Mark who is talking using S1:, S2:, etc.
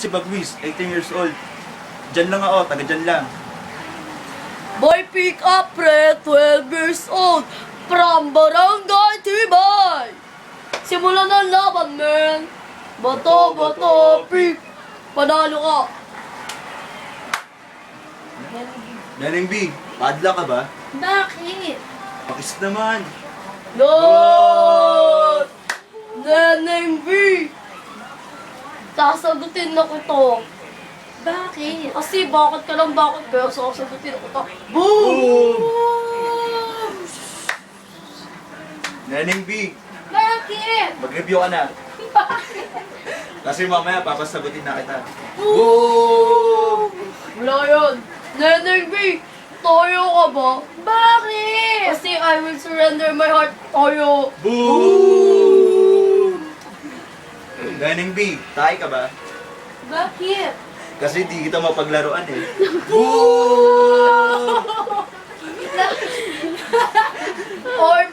S1: Si Bagwis, 18 years old. Diyan lang ako, taga dyan lang.
S2: Boy pick up pre, 12 years old, from Barangay Tibay. Simulan ng laban, man. Bato, bato, pick. Panalo ka.
S1: Neneng B, padla ka ba?
S3: Bakit?
S1: Pakis naman.
S2: Lord! Neneng B! Sasagutin na ko to.
S3: Bakit?
S2: Kasi bakit ka lang bakit, pero sasagutin ko to. Boom!
S1: Boom! Neneng B,
S3: Bakit?
S1: mag-review ka na. Kasi mamaya papasagutin na kita.
S2: Wala yun. Neneng B! Toyo ka ba?
S3: Bakit?
S2: Kasi I will surrender my heart. Toyo.
S1: Boom! Neneng B, tayo ka ba?
S3: Bakit?
S1: Kasi di kita mapaglaruan eh. Boom!
S2: Or